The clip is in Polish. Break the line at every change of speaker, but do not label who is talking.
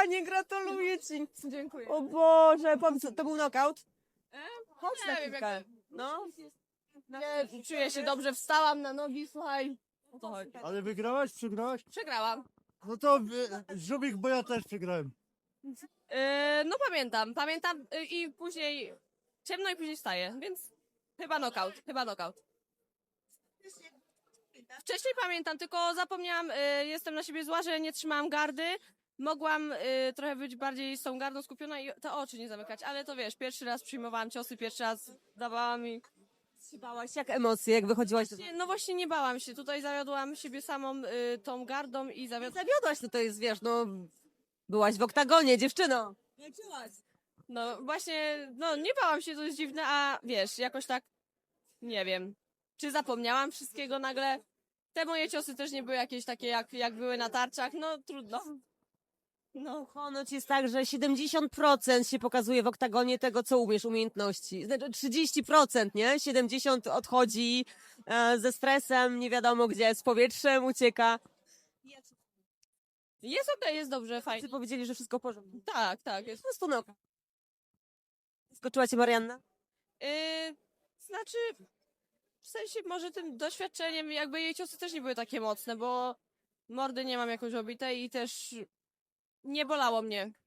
kochanie, gratuluję ci.
Dziękuję.
O Boże, powiedz, to był knockout? Chodź
nie
na
wiem,
chwilkę. No.
Nie, czuję się dobrze, wstałam na nogi, słuchaj. O to chodzi.
Ale wygrałaś, przegrałaś?
Przegrałam.
No to żubik, bo ja też przegrałem.
No pamiętam i później ciemno i później wstaję, więc chyba knockout. Wcześniej pamiętam, tylko zapomniałam, jestem na siebie zła, że nie trzymałam gardy. Mogłam trochę być bardziej z tą gardą skupiona i te oczy nie zamykać, ale to wiesz, pierwszy raz przyjmowałam ciosy, pierwszy raz dawałam i...
Bałaś, jak emocje, jak wychodziłaś?
No właśnie nie bałam się, tutaj zawiodłam siebie samą tą gardą i zawiodłam.
Zawiodłaś, no to jest, wiesz, no... Byłaś w oktagonie, dziewczyno. Jak czułaś?
No właśnie, no nie bałam się, to jest dziwne, a wiesz, jakoś tak, nie wiem, czy zapomniałam wszystkiego nagle. Te moje ciosy też nie były jakieś takie, jak były na tarczach, no trudno. No.
Ponoć jest tak, że 70% się pokazuje w oktagonie tego, co umiesz, umiejętności. Znaczy 30%, nie? 70% odchodzi ze stresem, nie wiadomo gdzie, z powietrzem ucieka.
Jest okej, jest dobrze,
Wszyscy
fajnie.
powiedzieli, że wszystko w porządku.
Tak, jest.
Po prostu no. Skoczyła cię Marianna?
Znaczy, w sensie może tym doświadczeniem, jakby jej ciosy też nie były takie mocne, bo mordy nie mam jakoś obitej i też nie bolało mnie.